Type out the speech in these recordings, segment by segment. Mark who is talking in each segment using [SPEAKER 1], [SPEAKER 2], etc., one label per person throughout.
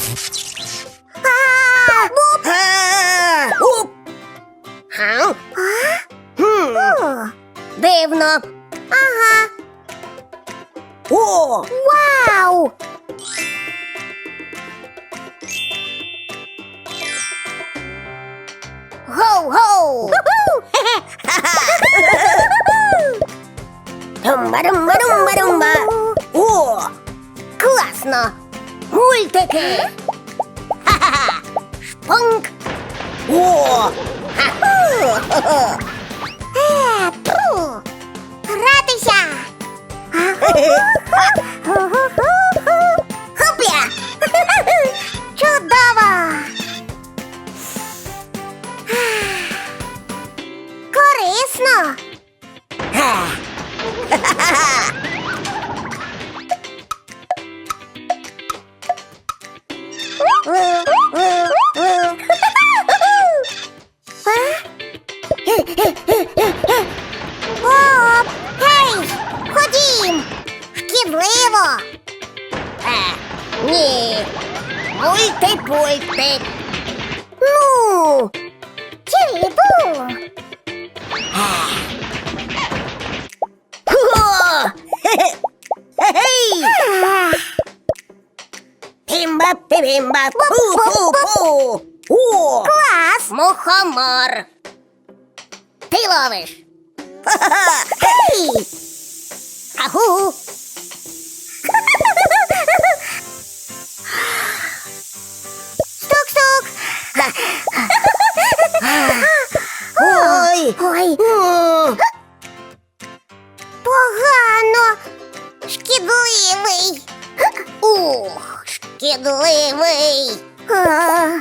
[SPEAKER 1] Буп!
[SPEAKER 2] Уп!
[SPEAKER 1] О,
[SPEAKER 2] Дивно.
[SPEAKER 1] ага.
[SPEAKER 2] О!
[SPEAKER 1] Вау!
[SPEAKER 2] Гоу-гоу! Румба-румба-румба-румба! О! Класно! Мультики! Ха-ха-ха! Шпунк! О! Ха-ху!
[SPEAKER 1] Пу! Гратися!
[SPEAKER 2] Хопля!
[SPEAKER 1] Чудово! Корисно! Оп! Гей! Ходім! Шкідливо!
[SPEAKER 2] Ні! Мульти-пульти!
[SPEAKER 1] Ну! Чирі-бу!
[SPEAKER 2] Хо! Хе-хей! Пімба-пімба! Пу-пу-пу! О!
[SPEAKER 1] Клас!
[SPEAKER 2] Мухомор! Ти ловиш!
[SPEAKER 1] Гей!
[SPEAKER 2] Агу!
[SPEAKER 1] Стук-стук!
[SPEAKER 2] Ой!
[SPEAKER 1] Ой,
[SPEAKER 2] О!
[SPEAKER 1] погано! Шкідливий!
[SPEAKER 2] Ух, шкідливий!
[SPEAKER 1] А,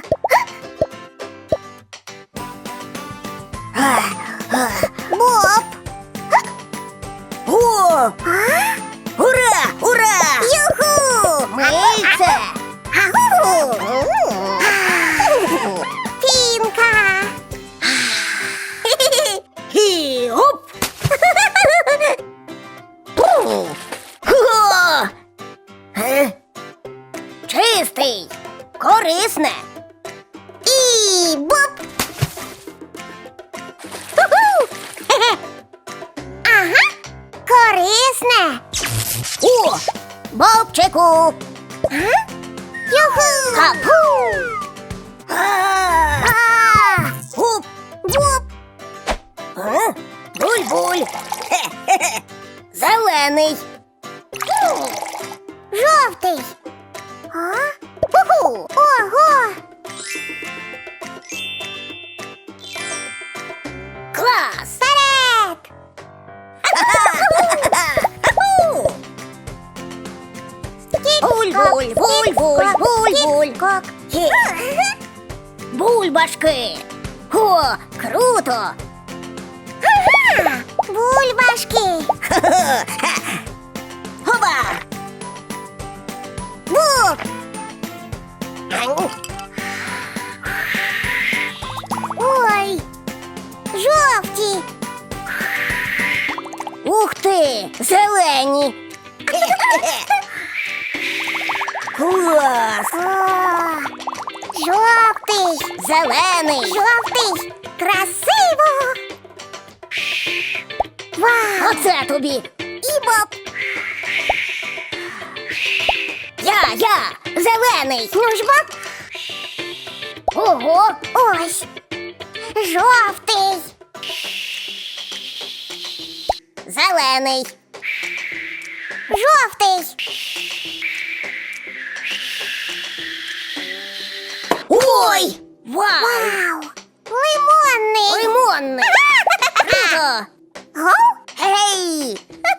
[SPEAKER 1] Боб!
[SPEAKER 2] О!
[SPEAKER 1] А?
[SPEAKER 2] Ура! Ура!
[SPEAKER 1] Юху!
[SPEAKER 2] Мильце!
[SPEAKER 1] Агу! Пінка!
[SPEAKER 2] І оп! Хо! Чистий! Корисне!
[SPEAKER 1] І боб! Ху-ху! Ага! Корисне!
[SPEAKER 2] О! Бобчику!
[SPEAKER 1] Юху!
[SPEAKER 2] Капу!
[SPEAKER 1] А!
[SPEAKER 2] Гуп!
[SPEAKER 1] Боб!
[SPEAKER 2] Буль-буль! Хе-хе-хе! Зелений!
[SPEAKER 1] Жовтий! А? Ху-ху! Ого!
[SPEAKER 2] Клас!
[SPEAKER 1] Вперед!
[SPEAKER 2] Буль-буль, буль-буль, буль-буль!
[SPEAKER 1] Кок.
[SPEAKER 2] Хе! Бульбашки! О, круто!
[SPEAKER 1] Ага! Бульбашки!
[SPEAKER 2] Хоба!
[SPEAKER 1] Буб! Ой! Жовті!
[SPEAKER 2] Ух ти! Зелені! Клас!
[SPEAKER 1] О! Жовтий!
[SPEAKER 2] Зелений!
[SPEAKER 1] Жовтий! Красиво! Вау!
[SPEAKER 2] Оце тобі!
[SPEAKER 1] І боб!
[SPEAKER 2] Я! Зелений!
[SPEAKER 1] Ну ж боб!
[SPEAKER 2] Ого!
[SPEAKER 1] Ось! Жовтий!
[SPEAKER 2] Зелений!
[SPEAKER 1] Жовтий!
[SPEAKER 2] Ой! Вау!
[SPEAKER 1] Вау! Лимонний!
[SPEAKER 2] Лимонний! Круто!
[SPEAKER 1] Гоу!
[SPEAKER 2] Гей!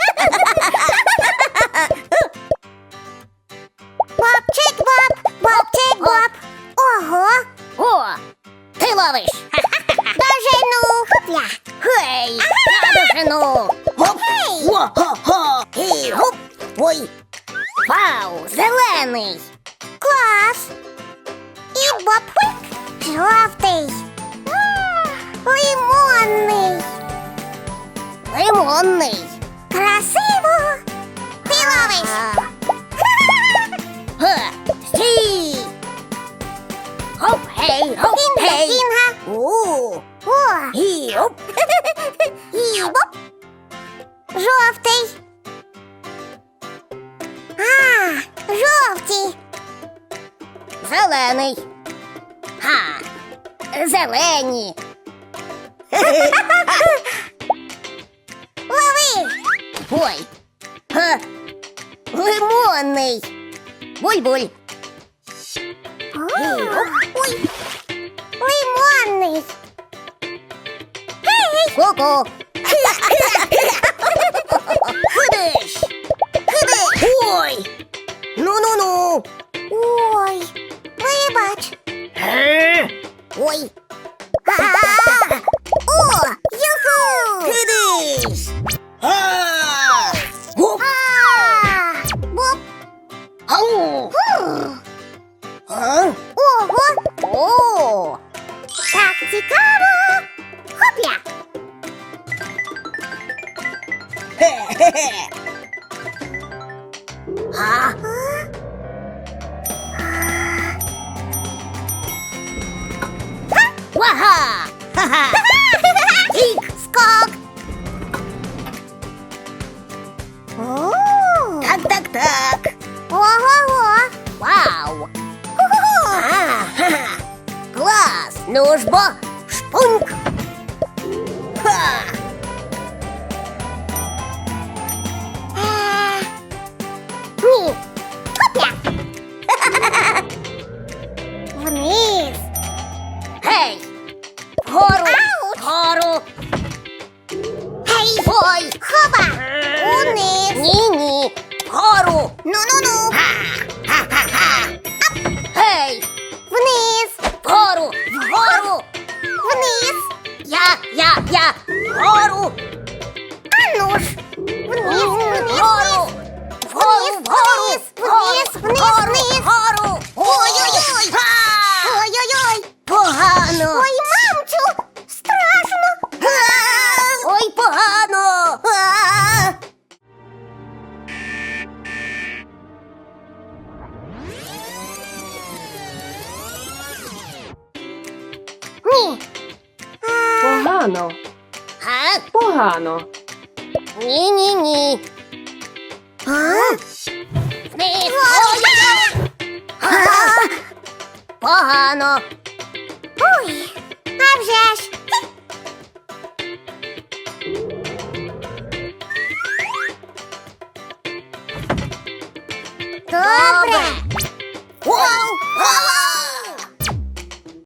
[SPEAKER 1] Бобчик боб! Бобчик боб! Ого!
[SPEAKER 2] О! Ти ловиш!
[SPEAKER 1] Дожену! Хопля!
[SPEAKER 2] Гей! Я дожену! Гоп!
[SPEAKER 1] Гей!
[SPEAKER 2] Во-хо-хо! І гоп! Ой! Вау! Зелений!
[SPEAKER 1] Клас! І боб! Жовтий! Лимонний!
[SPEAKER 2] Лимонний!
[SPEAKER 1] Красиво! Ти ловиш!
[SPEAKER 2] Га! Стій! Гей, гоп,
[SPEAKER 1] Інга,
[SPEAKER 2] гей.
[SPEAKER 1] інга.
[SPEAKER 2] У,
[SPEAKER 1] О,
[SPEAKER 2] і, оп.
[SPEAKER 1] і боп. Жовтий. А, жовті.
[SPEAKER 2] Зелений. Ха. Зелені.
[SPEAKER 1] Лови.
[SPEAKER 2] Ой. Ха. Лимонний. Буль-буль.
[SPEAKER 1] Ой, лимонний. Гей,
[SPEAKER 2] Ку-ку. Хидиш. Хидиш. Ой. Ну-ну-ну.
[SPEAKER 1] ой, вибач.
[SPEAKER 2] Ой.
[SPEAKER 1] О, юху.
[SPEAKER 2] Хидиш. А. Гоп.
[SPEAKER 1] Боп.
[SPEAKER 2] Ау. А?
[SPEAKER 1] Ого,
[SPEAKER 2] О.
[SPEAKER 1] так цікаво. Хопля.
[SPEAKER 2] Хе-хе-хе. А? Вага! Ха-ха!
[SPEAKER 1] Ік, скок. О,
[SPEAKER 2] Так.
[SPEAKER 1] ого-го.
[SPEAKER 2] Вау! Ага! Клас! Ну ж бо, шпуньк! Ха!
[SPEAKER 1] Ні. Хопля. Вниз.
[SPEAKER 2] Гей! Вгору!
[SPEAKER 1] Ауч!
[SPEAKER 2] Вгору!
[SPEAKER 1] Гей,
[SPEAKER 2] Ой!
[SPEAKER 1] хоба. Униз.
[SPEAKER 2] Ні-ні! Вгору!
[SPEAKER 1] Ну-ну-ну.
[SPEAKER 2] Ха-ха-ха! Гей!
[SPEAKER 1] Вниз.
[SPEAKER 2] Вгору! Вгору!
[SPEAKER 1] Вниз.
[SPEAKER 2] Я! Вгору!
[SPEAKER 1] А ну ж. Вниз, вниз,
[SPEAKER 2] Вгору!
[SPEAKER 1] вниз.
[SPEAKER 2] Вгору!
[SPEAKER 1] Вниз, вниз, вниз,
[SPEAKER 2] Вгору!
[SPEAKER 1] вниз.
[SPEAKER 2] Вгору!
[SPEAKER 1] Ой-ой-ой.
[SPEAKER 2] Ха!
[SPEAKER 1] Ой-ой-ой.
[SPEAKER 2] Погано!
[SPEAKER 1] Ой, мамчу. Страшно.
[SPEAKER 2] Ой, погано!
[SPEAKER 1] Ні.
[SPEAKER 3] Погано,
[SPEAKER 2] А?
[SPEAKER 3] погано.
[SPEAKER 2] Ні.
[SPEAKER 1] А?
[SPEAKER 2] Вниз! Ой-ой-ой! Погано!
[SPEAKER 1] Ой, а вже ж.